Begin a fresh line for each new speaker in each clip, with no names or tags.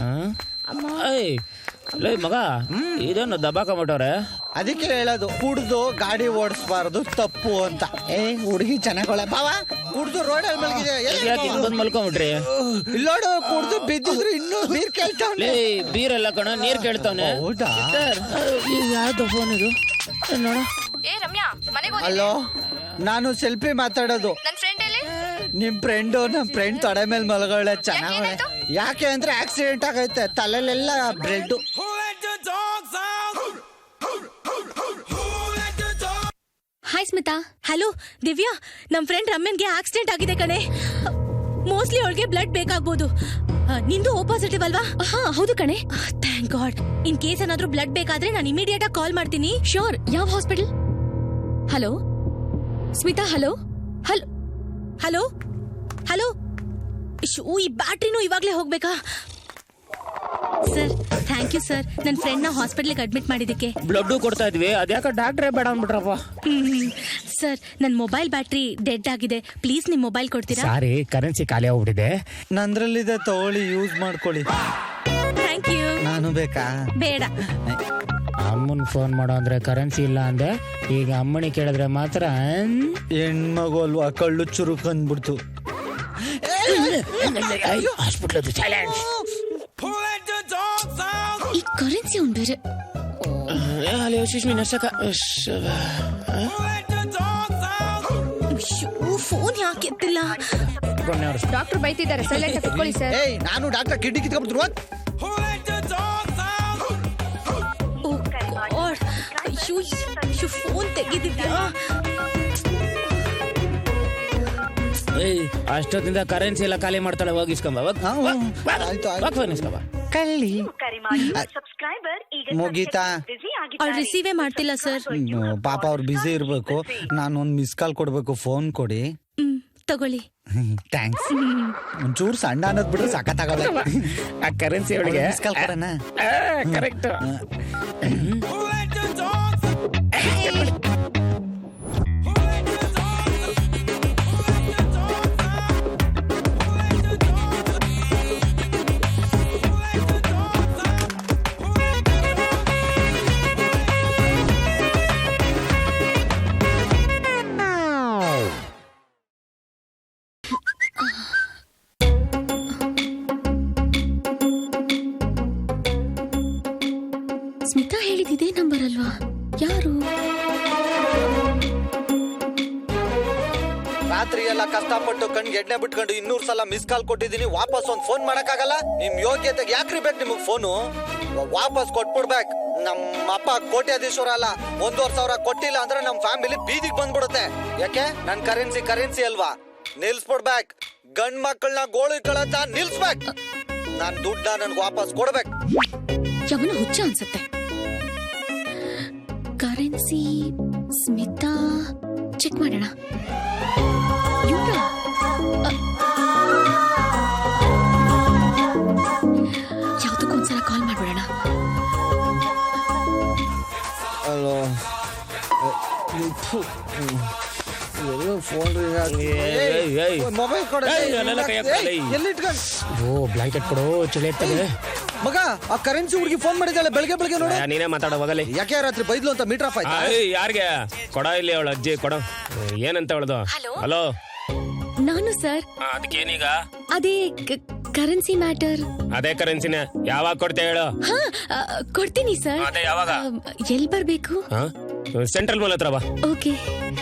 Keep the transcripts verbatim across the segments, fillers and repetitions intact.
ಮಗ ಇದೇನು ದಬಾಕೊಂಬಿಟ್ಟವ್ರೆ.
ಅದಕ್ಕೆ ಹೇಳೋದು ಕುಡ್ದು ಗಾಡಿ ಓಡಿಸ್ಬಾರ್ದು ತಪ್ಪು ಅಂತ. ಏ ಹುಡುಗಿ ಚೆನ್ನಾಗೊಳೆ ಬಾವ, ಕುಡ್ದು ರೋಡಲ್ಲಿ ಮಲಗಿದೆ.
ಬಂದ್ ಮಲ್ಕೊಂಬಿಟ್ರಿ.
ಇಲ್ಲೋಡು, ಕುಡ್ದು ಬಿದ್ದಿದ್ರು ಇನ್ನೂ ನೀರ್ ಕೇಳ್ತಾವ್ನೆ.
ಬೀರೆಲ್ಲ ಕಣ ನೀರ್ ಕೇಳ್ತಾವ್ನೆ.
ಹೌದಾ?
ಯಾವ್ದು ಫೋನ್ ಇದು ನೋಡ.
ಹಲೋ, ನಾನು ಸೆಲ್ಫಿ ಮಾತಾಡೋದು. ನಿಮ್ ಫ್ರೆಂಡು ನಮ್ ಫ್ರೆಂಡ್ ತೊಡೆ ಮೇಲೆ ಮಲಗೋಳೆ, ಚೆನ್ನಾಗಳೆ. ಯಾಕೆ ಅಂದ್ರೆ ಆಕ್ಸಿಡೆಂಟ್ ಆಗೈತೆ, ತಲೆಲೆಲ್ಲ ಬ್ರೆಡ್.
ಹಾಯ್ ಸ್ಮಿತಾ. ಹಲೋ ದಿವ್ಯಾ, ನಮ್ ಫ್ರೆಂಡ್ ರಮ್ಯನ್ಗೆ ಆಕ್ಸಿಡೆಂಟ್ ಆಗಿದೆ ಕಣೆ. ಮೋಸ್ಟ್ಲಿ ಅವಳಿಗೆ ಬ್ಲಡ್ ಬೇಕಾಗ್ಬೋದು. ನಿಂದು ಓ ಪಾಸಿಟಿವ್ ಅಲ್ವಾ? ಹಾ ಹೌದು ಕಣೆ. Thank God. ಇನ್ ಕೇಸ್ ಏನಾದ್ರೂ ಬ್ಲಡ್ ಬೇಕಾದ್ರೆ ನಾನು ಇಮಿಡಿಯೇಟ್ ಆಗಿ ಕಾಲ್ ಮಾಡ್ತೀನಿ. ಶೋರ್. ಯಾವ hospital? Hello Smita. Hello hello hello hello. ಈ ಬ್ಯಾಟ್ರಿನೂ ಇವಾಗ್ಲೇ ಹೋಗ್ಬೇಕಾ? ಸರ್ ಥ್ಯಾಂಕ್ ಯು ಸರ್, ನನ್ನ ಫ್ರೆಂಡ್ ನ ಹಾಸ್ಪಿಟಲ್ಗೆ ಅಡ್ಮಿಟ್ ಮಾಡಿದಕ್ಕೆ.
ಬ್ಲಡ್ ಕೊಡ್ತಾ ಇದ್ವಿ, ಅದ್ಯಾಕ ಡಾಕ್ಟ್ರೇ ಬೇಡ ಅಂದ್ಬಿಟ್ರಪ್ಪ.
ಸರ್ ನನ್ನ ಮೊಬೈಲ್ ಬ್ಯಾಟ್ರಿ ಡೆಡ್ ಆಗಿದೆ, ಪ್ಲೀಸ್ ನಿಮ್ ಮೊಬೈಲ್ ಕೊಡ್ತೀರಾ?
ಸಾರಿ, ಕರೆನ್ಸಿ ಖಾಲಿ ಆಗ್ಬಿಟ್ಟಿದೆ.
ನಂದ್ರಲ್ಲಿದೆ, ತಗೊಳ್ಳಿ, ಯೂಸ್ ಮಾಡ್ಕೊಳ್ಳಿ.
Thank you.
ನಾನು ಬೇಕಾ?
ಬೇಡ.
ಅಮ್ಮನ್ ಫೋನ್ ಮಾಡೋ ಅಂದ್ರೆ ಕರೆನ್ಸಿ ಇಲ್ಲ ಅಂದೆ, ಈಗ ಅಮ್ಮನಿ ಕೇಳಿದ್ರೆ ಮಾತ್ರ
ಹೆಣ್ಮಗು ಅಲ್ವಾ, ಕಳ್ಳು ಚುರುಕ್ ಅಂದ್ಬಿಡ್ತು.
ಹಾಸ್ಪಿಟಲ್
ಈ ಕರೆನ್ಸಿ ಅವ್ನು ಬೇರೆ. ಫೋನ್ ಯಾಕೆ ಎತ್ತಿಲ್ಲ?
ಡಾಕ್ಟರ್ ಬೈತಿದ್ದಾರೆ, ಸೈಲೆಂಟ್ ಆಗಿ ಕೂತ್ಕೊಳ್ಳಿ ಸರ್.
ಏಯ್, ನಾನು ಡಾಕ್ಟರ್ ಕಿಡ್ಡಿ ಕಿತ್ಕೊಂಡ್ಬಿಟ್ರು.
ಫೋನ್ ತೆಗಿದಿದ್ಯಾ?
ಅಷ್ಟೊತ್ತಿಂದ ಕರೆನ್ಸಿ ಎಲ್ಲ ಖಾಲಿ ಮಾಡ್ತಾಳೆ, ಹೋಗಿಸ್ಕೊಂಬ.
ಕಳ್ಳಿ ಮುಗೀತಾ?
ಅವ್ರು ರಿಸೀವೇ ಮಾಡ್ತಿಲ್ಲ ಸರ್.
ಪಾಪ ಅವ್ರು ಬಿಸಿ ಇರ್ಬೇಕು. ನಾನು ಒಂದ್ ಮಿಸ್ ಕಾಲ್ ಕೊಡ್ಬೇಕು, ಫೋನ್ ಕೊಡಿ.
ಹ್ಮ್ ತಗೊಳ್ಳಿ.
ಥ್ಯಾಂಕ್ಸ್. ಒಂಚೂರು ಸಣ್ಣ ಅನ್ನೋದ್ ಬಿಟ್ರೆ ಸಖತ್ತಾಗಲ್ಲ.
ಆ ಕರೆನ್ಸಿ ಒಳಗೆ
ಮಿಸ್ ಕಾಲ್ ಕೊಡೋಣ.
ಕರೆಕ್ಟ್.
ಸ್ಮಿತಾ ಹೇಳಿದಿದೆ ನಂಬರ್ ಅಲ್ವಾ? ಯಾರು?
ರಾತ್ರಿ ಎಲ್ಲ ಕಷ್ಟಪಟ್ಟು ಕಣ್ಗೆ ಎಣ್ಣೆ ಬಿಟ್ಕೊಂಡು ಇನ್ನೂರ್ ಸಲ ಮಿಸ್ ಕಾಲ್ ಕೊಟ್ಟಿದ್ದೀನಿ, ವಾಪಸ್ ಒಂದ್ ಫೋನ್ ಮಾಡಕ್ಕಾಗಲ್ಲ. ನಿಮ್ ಯೋಗ್ಯತೆಗೆ ಯಾಕ್ರಿ ಬೇಕು ನಿಮಗ್ ಫೋನು? ವಾಪಸ್ ಕೊಟ್ಬಿಡ್ಬೇಕು. ನಮ್ಮ ಅಪ್ಪ ಕೋಟ್ಯಾಧೀಶ್ವರ ಅಲ್ಲ, ಒಂದೂವರೆ ಸಾವಿರ ಕೊಟ್ಟಿಲ್ಲ ಅಂದ್ರೆ ನಮ್ ಫ್ಯಾಮಿಲಿ ಬೀದಿಗೆ ಬಂದ್ಬಿಡುತ್ತೆ. ಯಾಕೆ? ನನ್ ಕರೆನ್ಸಿ ಕರೆನ್ಸಿ ಅಲ್ವಾ, ನಿಲ್ಸ್ಬಿಡ್ಬೇಕು. ಗಂಡ್ ಮಕ್ಕಳನ್ನ ಗೋಳಿ ಕಳತ ನಿಲ್ಸ್ಬೇಕು. ನಾನ್ ದುಡ್ಡ ನನ್ಗೆ ವಾಪಸ್ ಕೊಡ್ಬೇಕು.
ಯಾವನ ಹುಚ್ಚ ಅನ್ಸುತ್ತೆ. ಕರೆನ್ಸಿ ಸ್ಮಿತಾ, ಚೆಕ್ ಮಾಡೋಣ. ಯಾವ್ದಕ್ಕೊಂದ್ಸಲ ಕಾಲ್ ಮಾಡ್ಬಿಡೋಣ.
ಹಲೋ, ಫೋನ್ ಮೊಬೈಲ್ ಕೊಡ.
ಓ ಬ್ಲಾಂಕೆಟ್ ಕೊಡು, ಚಳಿ ಇರ್ತದೆ.
ಮಗ, ಆ ಕರೆನ್ಸಿ ಹುಡುಗಿ ಫೋನ್ ಮಾಡಿದ್ದಾಳೆ ಬೆಳಗ್ಗೆ ಬೆಳಗ್ಗೆ. ನೋಡ,
ನೀನೇ ಮಾತಾಡೋ ಹೋಗಲಿ.
ಯಾಕೆ ರಾತ್ರಿ ಬೈದ್ಲು ಅಂತ ಮೀಟರ್ ಆಫ್ ಆಯ್ತಾ?
ಯಾರಿಗೆ ಕೊಡ? ಇಲ್ಲಿ ಅವಳ ಅಜ್ಜಿ ಕೊಡ. ಏನಂತ ಹೇಳೋದು? ಹಲೋ,
ನಾನು ಸರ್.
ಅದಕ್ಕೇನೀಗ?
ಅದೇ ಕರೆನ್ಸಿ ಮ್ಯಾಟರ್.
ಅದೇ ಕರೆನ್ಸಿನ ಯಾವಾಗ ಕೊಡ್ತೇ ಹೇಳು?
ಹಾ ಕೊಡ್ತೀನಿ ಸರ್.
ಅದೇ ಯಾವಾಗ?
ಎಲ್ಲಿ ಬರ್ಬೇಕು?
ಸೆಂಟ್ರಲ್ ಮಾಲ್ ಹತ್ರ ಬಾ.
ಓಕೆ.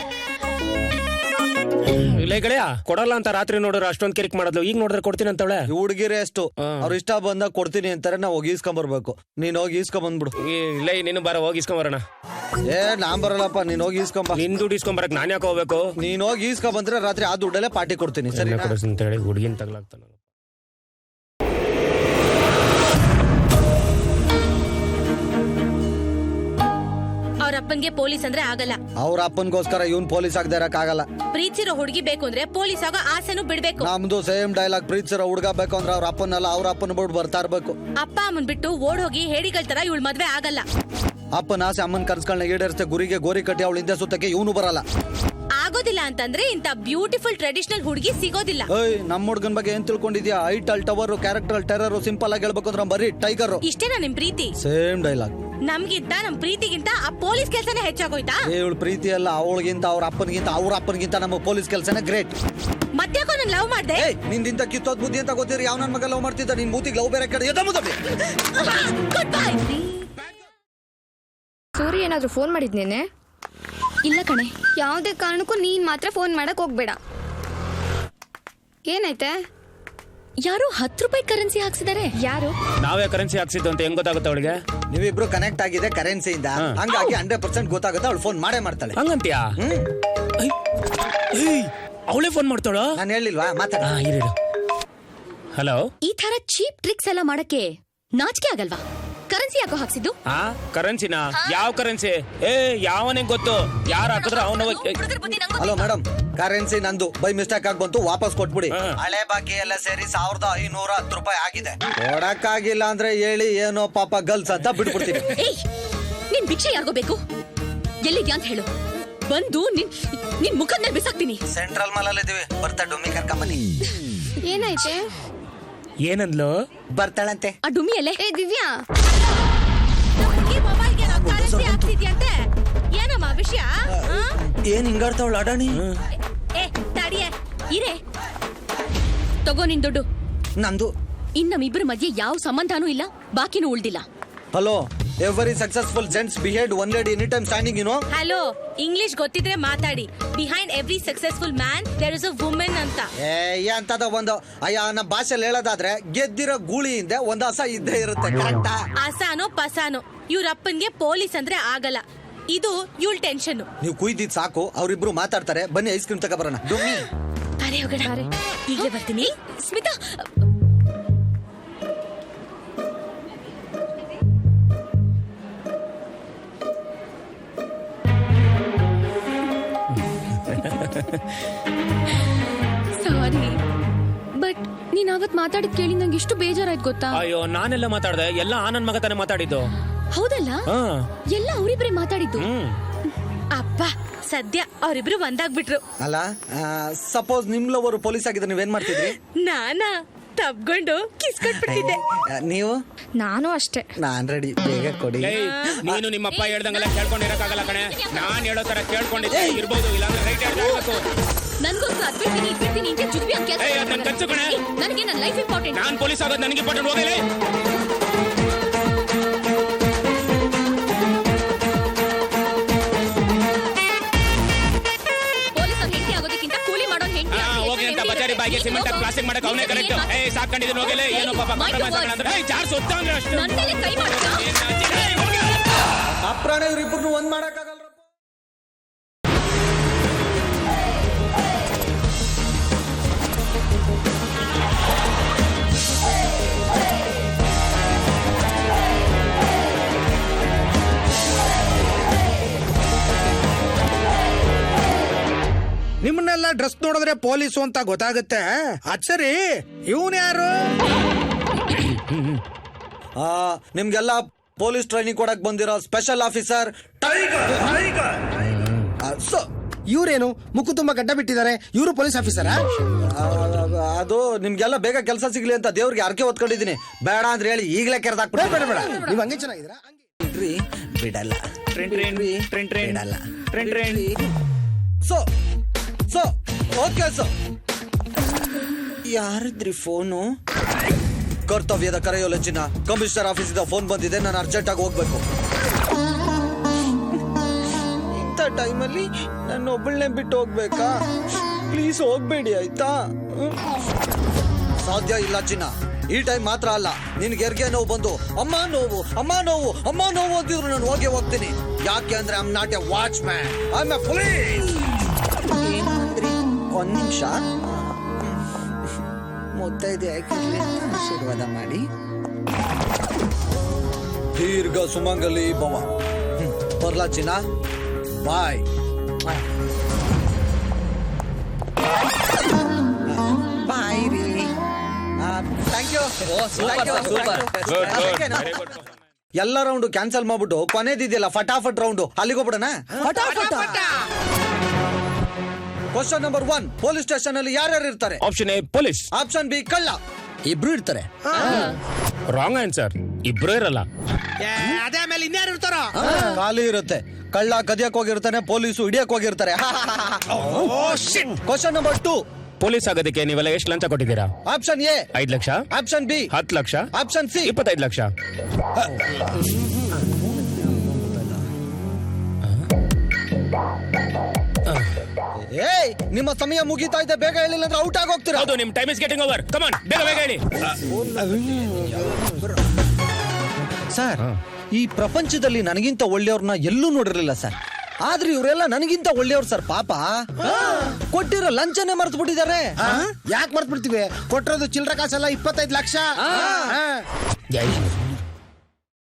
ಇಲ್ಲ ಈ ಕಡೆಯಾ ಕೊಡಲ್ಲ ಅಂತ ರಾತ್ರಿ ನೋಡಿದ್ರೆ ಅಷ್ಟೊಂದ್ ಕಿರಿಕ್ ಮಾಡೋದು, ಈಗ ನೋಡಿದ್ರೆ ಕೊಡ್ತೀನಿ ಅಂತವಳೆ.
ಹುಡುಗಿರೇ ಅಷ್ಟು, ಅವ್ರ ಇಷ್ಟ ಬಂದಾಗ ಕೊಡ್ತೀನಿ ಅಂತಾರೆ, ನಾವು ಹೋಗಿ ಈಸ್ಕೊಂಡ್ ಬರ್ಬೇಕು. ನೀನ್ ಹೋಗಿ ಈಸ್ಕೊಂಡ್ ಬಂದ್ಬಿಡು.
ಇಲ್ಲ ನೀನು ಬರ, ಹೋಗಿ ಇಸ್ಕೊಂಡ್ ಬರೋಣ.
ಏ ನಾನ್ ಬರಲ್ಲಪ್ಪ, ನೀನ್ ಹೋಗಿ ಈಸ್ಕೊಂಬ.
ನಿನ್ ದುಡ್ಡು ಇಸ್ಕೊಂಡ್ ಬರಕ್ ನಾನ್ ಯಾಕೆ ಹೋಗ್ಬೇಕು?
ನೀನ್ ಹೋಗಿ ಈಸ್ಕೊಂಡ್ ಬಂದ್ರೆ ರಾತ್ರಿ ಆ ದುಡ್ಡಲ್ಲೇ ಪಾರ್ಟಿ ಕೊಡ್ತೀನಿ. ಸರಿ
ಅಂತ ಹೇಳಿ ಹುಡುಗಿನ ತಗ್ಲಾಗ್ತಾನ.
ಅವ್ರ ಅಪ್ಪನ್ಗೆ ಪೊಲೀಸ್ ಅಂದ್ರೆ ಆಗಲ್ಲ.
ಅವ್ರ ಅಪ್ಪನ್ಗೋಸ್ಕರ ಇವ್ನ್ ಪೊಲೀಸ್ ಆಗದೆ ಇರಕ್ ಆಗಲ್ಲ.
ಪ್ರೀತಿಸಿರೋ ಹುಡುಗಿ ಬೇಕು ಅಂದ್ರೆ ಪೊಲೀಸ್ ಆಗೋ ಆಸೆನೂ ಬಿಡ್ಬೇಕು.
ನಮ್ದು ಸೇಮ್ ಡೈಲಾಗ್. ಪ್ರೀತಿಸಿರೋ ಹುಡುಗ ಬೇಕು ಅಂದ್ರೆ ಅವ್ರ ಅಪ್ಪನಲ್ಲ, ಅವ್ರ ಅಪ್ಪನ ಬಿಟ್ಟು ಬರ್ತಾ ಇರ್ಬೇಕು.
ಅಪ್ಪ ಅಮ್ಮನ್ ಬಿಟ್ಟು ಓಡ್ ಹೋಗಿ ಹೇಡಿಗಳ ತರ ಇವಳು ಮದ್ವೆ ಆಗಲ್ಲ.
ಅಪ್ಪನ ಆಸೆ ಅಮ್ಮನ್ ಕನ್ಸ್ಗಳನ್ನ ಈಡೇರಿಸ್ತೆ ಗುರಿಗೆ ಗೋರಿ ಕಟ್ಟಿ ಅವಳ ಹಿಂದೆ ಸುತ್ತಕ್ಕೆ ಇವನು ಬರಲ್ಲ.
ಆಗ ಆಗೋದಿಲ್ಲ ಅಂತಂದ್ರೆ ಇಂತ ಬ್ಯೂಟಿಫುಲ್ ಟ್ರೆಡಿಷನಲ್ ಹುಡುಗಿ ಸಿಗೋದಿಲ್ಲ.
ಏಯ್ ನಮ್ಮ ಹುಡ್ಗನ್ ಬಗ್ಗೆ ಏನ್ ತಿಳ್ಕೊಂಡಿದ್ಯಾ? Eiffel Tower, character terror, simple ಆಗಿ ಹೇಳ್ಬೇಕು ಅಂದ್ರೆ ಬರೀ ಟೈಗರ್.
ಇಷ್ಟೇನಾ ನಿಮ್ ಪ್ರೀತಿ?
Same dialogue.
ನಮ್ಗಿಂತ ನಮ್ ಪ್ರೀತಿಗಿಂತ ಆ ಪೊಲೀಸ್ ಕೆಲ್ಸನೇ ಹೆಚ್ಚಾಗೋಯ್ತಾ?
ಇವಳು ಪ್ರೀತಿ ಅಲ್ಲ, ಅವಳಿಗಿಂತ ಅವ್ರ ಅಪ್ಪನಿಗಿಂತ ಅವ್ರ ಅಪ್ಪನಿಗಿಂತ ನಮ್ಮ ಪೊಲೀಸ್ ಕೆಲಸನೇ ಗ್ರೇಟ್.
ಮತ್ತ್ಯಾಕೋ ನನ್ ಲವ್ ಮಾಡ್ದೆ?
ಏಯ್ ನಿಂದಿಂತ ಕಿತ್ತೋದ್ ಬುದ್ಧಿ ಅಂತ ಗೊತ್ತಿರಿ ಯಾವ ನನ್ ಮಗ ಲವ್ ಮಾಡ್ತಿದ್ದ? ನಿನ್ ಮೂತಿಗೆ ಲವ್ ಬೇರೆ ಕಡೆ ಎದ ಮುದಬಿ.
Good bye.
ಸೂರಿ ಏನಾದ್ರು ಫೋನ್ ಮಾಡಿದ್ನೇನೆ?
ಇಲ್ಲ ಕಣೆ.
ಯಾವುದೇ ಕಾರಣಕ್ಕೂ ನೀನ್ ಮಾತ್ರ ಫೋನ್ ಮಾಡಕ್ ಹೋಗ್ಬೇಡ. ಏನೈತೆ?
ಯಾರು ಹತ್ತು ರೂಪಾಯಿ ಕರೆನ್ಸಿ ಹಾಕ್ಸಿದಾರೆ.
ಯಾರು?
ನಾವೇ ಕರೆನ್ಸಿ ಹಾಕ್ಸಿದ್ದು ಅಂತ ಹೆಂಗ್ ಗೊತ್ತಾಗುತ್ತೆ ಅವಳಿಗೆ?
ನೀವಿಬ್ರು ಕನೆಕ್ಟ್ ಆಗಿದೆ ಕರೆನ್ಸಿಯಿಂದ, ಹಂಗಾಗಿ ಹಂಡ್ರೆಡ್ ಪರ್ಸೆಂಟ್ ಗೊತ್ತಾಗುತ್ತೆ. ಅವಳು ಫೋನ್ ಮಾಡೇ ಮಾಡ್ತಾಳೆ.
ಹಂಗಂತ್ಯಾ? ಅವಳೇ ಫೋನ್ ಮಾಡ್ತಾಳ?
ನಾನು ಹೇಳಿಲ್ವಾ? ಮಾತಾಡ.
ಹಲೋ.
ಈ ತರ ಚೀಪ್ ಟ್ರಿಕ್ಸ್ ಎಲ್ಲ ಮಾಡಕ್ಕೆ ನಾಚಿಕೆ ಆಗಲ್ವಾ? ಕರೆನ್ಸಿ ಯಾಕೋ ಹಾಕ್ಸಿದ್ದು?
ಆ ಕರೆನ್ಸಿನಾ? ಯಾವ ಕರೆನ್ಸಿ? ಏ ಯಾವನೇ ಗೊತ್ತು, ಯಾರು ಹಾಕಿದ್ರೆ ಅವನ.
ಹಲೋ ಮೇಡಮ್, ಕರೆನ್ಸಿ ನಂದು ಬೈ ಮಿಸ್ಟೇಕ್ ಆಗಿ ಬಂತು, ವಾಪಸ್ ಕೊಟ್ಬಿಡಿ. ಹಳೆ ಬಾಕಿ ಎಲ್ಲ ಸೇರಿ ಸಾವಿರದ ಐನೂರ ಹತ್ತು ರೂಪಾಯಿ ಆಗಿದೆ. ಕೊಡಕ್ಕಾಗಿಲ್ಲ ಅಂದ್ರೆ ಹೇಳಿ, ಏನೋ ಪಾಪ ಗಲ್ಸ್ ಅಂತ ಬಿಟ್ಬಿಡ್ತೀನಿ.
ನಿನ್ ಭಿಕ್ಷೆ ಯಾರಿಗೋ ಬೇಕು? ಎಲ್ಲಿದ್ಯಾ ಅಂತ ಹೇಳು, ಬಂದು ನಿನ್ ನಿನ್ ಮುಖದ ಮೇಲೆ ಬಿಸಾಕ್ತೀನಿ.
ಸೆಂಟ್ರಲ್ ಮಾಲ್ ಅಲ್ಲಿ ಇದೀವಿ, ಬರ್ತಾ ಡುಮ್ಮಿ ಕರ್ಕೊಂಬನ್ನಿ.
ಏನೈತೆ?
ಏನಂದ್ಲು?
ಬರ್ತಾಳಂತೆ.
ಆ ಡುಮ್ಮಿ ಅಲ್ಲೇ.
ಏ ದಿವ್ಯಾ,
ಮೊಬೈಲ್ಗೆ ಕರೆನ್ಸಿ ಹಾಕ್ತಿದ್ಯಂತೆ. ಏನಮ್ಮ ವಿಷಯ?
ಏನ್ ಹಿಂಗಾಡ್ತಾವಳ ಅಡಾಣಿ?
ಏ ತಡಿಯೇ ಇರೇ, ತಗೋ ನಿನ್ ದುಡ್ಡು.
ನಂದು.
ಇನ್ ನಮ್ಮಿಬ್ಬರ ಮಧ್ಯೆ ಯಾವ ಸಂಬಂಧನೂ ಇಲ್ಲ, ಬಾಕಿನೂ ಉಳ್ದಿಲ್ಲ.
Hello, every successful gents behaved one lady any time standing, you know.
Hello, English ಗೊತ್ತಿದ್ರೆ ಮಾತಾಡಿ. Behind every successful man there is a women ಅಂತ.
ಏ ಅಂತದ ಒಂದು ಅಯ್ಯ ನಮ್ಮ ಭಾಷೆಯಲ್ಲಿ ಹೇಳೋದಾದ್ರೆ ಗೆದ್ದಿರೋ ಗೂಳಿಯಿಂದ ಒಂದ್ ಹಸ ಇದ್ದೇ ಇರುತ್ತೆ. ಕರೆಕ್ಟಾ?
ಅಸಾನೋ ಪಸಾನೋ ಇವ್ರ ಅಪ್ಪನ್ಗೆ ಪೊಲೀಸ್ ಅಂದ್ರೆ ಆಗಲ್ಲ. ಇದು ಇವಳ ಟೆನ್ಷನ್.
ನೀವು ಕುಯ್ದಿದ್ ಸಾಕು, ಅವ್ರಿಬ್ರು ಮಾತಾಡ್ತಾರೆ. ಬನ್ನಿ ಐಸ್ ಕ್ರೀಮ್ ತಗ ಬರೋಣ. ಡುಮ್ಮಿ
ಅರೆ ಹೋಗೋಣ. ಈಗಲೇ ಬರ್ತೀನಿ. ಸ್ಮಿತಾ, ಸಾರಿ ಬಟ್ ನೀನ್ ಅವತ್ ಮಾತಾಡಿದ್ ಕೇಳಿ ನಂಗೆ ಎಷ್ಟು ಬೇಜಾರಾಯ್ತು ಗೊತ್ತಾ?
ಅಯ್ಯೋ ನಾನೆಲ್ಲ ಮಾತಾಡ್ದೆ, ಎಲ್ಲ ಆ ನನ್ ಮಗ ತಾನೆ ಮಾತಾಡಿದ್ದು.
ಹೌದಲ್ಲ, ಎಲ್ಲ ಅವರಿಬ್ರೆ ಮಾತಾಡಿದ್ದು.
ಹ್ಮ್.
ಅಪ್ಪ ಸದ್ಯ ಅವರಿಬ್ರು ಒಂದಾಗ್ಬಿಟ್ರು.
ಅಲ್ಲ, ಸಪೋಸ್ ನಿಮ್ ಲವರು ಪೊಲೀಸ್ ಆಗಿದ್ರೆ ನೀವೇನ್ ಮಾಡ್ತಿದ್ರಿ?
ನಾನಾ ತಬ್ಕೊಂಡು ಕಿಸ್ ಕೊಟ್ಬಿಡ್ತಿದ್ದೆ.
ನೀವು?
ನಾನು ಅಷ್ಟೇ.
ನಾನ್ ರೆಡಿ, ಬೇಗ ಕೊಡಿ.
ನೀನು ನಿಮ್ಮಪ್ಪ ಹೇಳ್ದಂಗೆಲ್ಲ ಕೇಳ್ಕೊಂಡಿರಕ್ಕಾಗಲ್ಲ ಕಣೆ. ನಾನ್ ಹೇಳೋ ತರ ಕೇಳ್ಕೊಂಡಿದ್ದೆ ಇರ್ಬೋದು, ಇಲ್ಲಾಂದ್ರೆ ರೈಟ್ ಹೇಳ್ಬೇಕು.
ನನ್ಗೋಸ್ಕರ ಅದ್ಬಿಡ್ತೀನಿ ಇದ್ಬಿಡ್ತೀನಿ ಅಂತ ಜುಗ್ಬಿ ಅಂತ
ಏಯ್, ಅದ್ ನನ್ ಕನ್ಸು ಕಣೆ.
ನನಗೆ ನನ್ನ ಲೈಫ್ ಇಂಪಾರ್ಟೆಂಟ್.
ನಾನ್ ಪೊಲೀಸ್ ಆಗೋದು ನನಗೆ ಇಂಪಾರ್ಟೆಂಟ್. ಹೋಗಲೇ
ಪೊಲೀಸ್ ಅವ್ರ ಹೆಂಡತಿ ಆಗೋದಕ್ಕಿಂತ ಕೂಲಿ ಮಾಡೋ ಹೆಂಡತಿ
ಹೋಗಿ ಅಂತ ಬಜಾರಿ ಬಾಯಿಗೆ ಸಿಮೆಂಟ್ ಪ್ಲಾಸ್ಟಿಕ್ ಮಾಡಕ್ ಅವನೇ ಕರೆಕ್ಟ್. ಏ ಸಾಕೊಂಡಿದ್ದೀನಿ ಹೋಗಲೇ. ಏನೋ ಪಾಪ ಕಾಂಪ್ರಮೈಸ್ ಅಂದ್ರೆ ಚಾರ್ ಸೊತ್ತ ಅಂದ್ರೆ ಅಷ್ಟು
ನನ್ನ ಮೇಲೆ ಕೈ ಮಾಡ್ತಾ.
ಅಪ್ರಾಣ ಇವ್ರಿಬ್ರು ಒಂದ್ ಮಾಡಕ್ಕಾಗಲ್ಲ.
ನಿಮ್ಮನ್ನೆಲ್ಲ ಡ್ರೆಸ್ ನೋಡಿದ್ರೆ ಪೊಲೀಸು ಅಂತ ಗೊತ್ತಾಗುತ್ತೆ. ಅದ್ ಸರಿ, ಇವನ್ ಯಾರು?
ಆ ನಿಮ್ಗೆಲ್ಲ ಪೊಲೀಸ್ ಟ್ರೈನಿಂಗ್ ಕೊಡಕ್ ಬಂದಿರೋ ಸ್ಪೆಷಲ್ ಆಫೀಸರ್ ಟೈಗರ್.
ಇವ್ರೇನು ಮುಖ ತುಂಬಾ ಗಡ್ಡ ಬಿಟ್ಟಿದ್ದಾರೆ, ಇವರು ಪೊಲೀಸ್ ಆಫೀಸರಾ?
ಅದು ನಿಮ್ಗೆಲ್ಲ ಬೇಗ ಕೆಲಸ ಸಿಗ್ಲಿ ಅಂತ ದೇವ್ರಿಗೆ ಅರ್ಕೆ ಹೊತ್ಕೊಂಡಿದೀನಿ. ಬೇಡ ಅಂದ್ರೆ ಹೇಳಿ ಈಗಲೇ ಕೆರೆದಾಕ್ಬಿಡ.
ಬೇಡ ಬೇಡ, ನೀವ್ ಹಂಗೆ ಚೆನ್ನಾಗಿದ್ದೀರಾ?
ಬಿಡಲ್ಲ ಬಿಡಲ್ಲ.
Trend
so so okay so ಯಾರಿದ್ರಿ ಫೋನು? ಕರ್ತವ್ಯದ ಕರೆಯೋಲೆಚ್ಚಿನ ಕಮಿಷನರ್ ಆಫೀಸಿಂದ ಫೋನ್ ಬಂದಿದೆ. ನಾನು ಅರ್ಜೆಂಟ್ ಆಗಿ ಹೋಗ್ಬೇಕು. ಇಂಥ ಟೈಮಲ್ಲಿ ನನ್ನ ಒಬ್ಬಳನ್ನೇ ಬಿಟ್ಟು ಹೋಗ್ಬೇಕಾ? ಪ್ಲೀಸ್ ಹೋಗ್ಬೇಡಿ ಆಯ್ತಾ? ಸಾಧ್ಯ ಇಲ್ಲ ಚಿನ್ನ. ಈ ಟೈಮ್ ಮಾತ್ರ ಅಲ್ಲ, ನಿನ್ಗೆ ಹೆರಿಗೆ ನೋವು ಬಂದು ಅಮ್ಮ ನೋವು ಅಮ್ಮ ನೋವು ಅಮ್ಮ ನೋವು ಅಂತಿದ್ರು ನಾನು ಹೋಗಿ ಹೋಗ್ತೀನಿ. ಯಾಕೆ ಅಂದ್ರೆ I am not a watchman, I am a police. ಒಂದ್ ನಿಮಿಷ ಮುತ್ತೈದೆ ಆಯ್ಕಿರ್ಲಿ ಅಂತ ಆಶೀರ್ವಾದ ಮಾಡಿ. ದೀರ್ಘ ಸುಮಂಗಲಿ ಭವ. ಬರ್ಲಾ ಚಿನ್ನ, ಬಾಯ್. ಬಾಯ್ ರೀ. Thank you. ಎಲ್ಲ ರೌಂಡ್ ಕ್ಯಾನ್ಸಲ್ ಮಾಡ್ಬಿಟ್ಟು ಕೊನೆದಿದೆಯಲ್ಲ ಫಟಾಫಟ್ ರೌಂಡ್, ಅಲ್ಲಿಗೆ ಹೋಗ್ಬಿಡೋಣ. ಫಟಾಫಟ್ question number one, police station ಅಲ್ಲಿ ಯಾರ್ಯಾರು ಇರ್ತಾರೆ?
Option A police,
option B ಕಳ್ಳ, ಇಬ್ರು ಇರ್ತಾರೆ.
ರಾಂಗ್ ಆನ್ಸರ್, ಇಬ್ರು ಇರಲ್ಲ.
ಅದೇ ಮೇಲೆ ಇನ್ಯಾರು ಇರ್ತಾರ?
ಖಾಲಿ ಇರುತ್ತೆ. ಕಳ್ಳ ಕದಿಯಕ್ ಹೋಗಿರ್ತಾನೆ, ಪೊಲೀಸು ಹಿಡಿಯಕ್ ಹೋಗಿರ್ತಾರೆ. ಕ್ವಶನ್ ನಂಬರ್ ಟೂ,
ಪೊಲೀಸ್ ಆಗೋದಕ್ಕೆ ನೀವೆಲ್ಲ ಎಷ್ಟು ಲಂಚ ಕೊಟ್ಟಿದ್ದೀರಾ?
ಆಪ್ಷನ್ ಎ
ಐದ್ ಲಕ್ಷ,
ಆಪ್ಷನ್ ಬಿ
ಹತ್ತು ಲಕ್ಷ,
ಆಪ್ಷನ್ ಸಿ
ಇಪ್ಪತ್ತೈದು ಲಕ್ಷ.
ಏಯ್, ನಿಮ್ಮ ಸಮಯ ಮುಗೀತಾ ಇದೆ, ಬೇಗ ಹೇಳಿಲ್ಲ ಅಂದ್ರೆ ಔಟ್ ಆಗಿ ಹೋಗ್ತೀರಾ.
ಹೌದು, ನಿಮ್ time is getting over. Come on, ಬೇಗ ಬೇಗ ಹೇಳಿ.
ಸರ್, ಈ ಪ್ರಪಂಚದಲ್ಲಿ ನನಗಿಂತ ಒಳ್ಳೆಯವ್ರನ್ನ ಎಲ್ಲೂ ನೋಡಿರ್ಲಿಲ್ಲ ಸರ್. ಆದ್ರೆ ಇವರೆಲ್ಲ ನನಗಿಂತ ಒಳ್ಳೆಯವ್ರು ಸರ್. ಪಾಪ ಕೊಟ್ಟಿರೋ ಲಂಚನೇ ಮರ್ತು ಬಿಟ್ಟಿದ್ದಾರೆ.
ಯಾಕೆ ಮರ್ತ್ ಬಿಡ್ತೀವಿ? ಕೊಟ್ಟಿರೋದು ಚಿಲ್ಲರೆ ಕಾಸಲ್ಲ, ಇಪ್ಪತ್ತೈದು ಲಕ್ಷ.
ಜೈ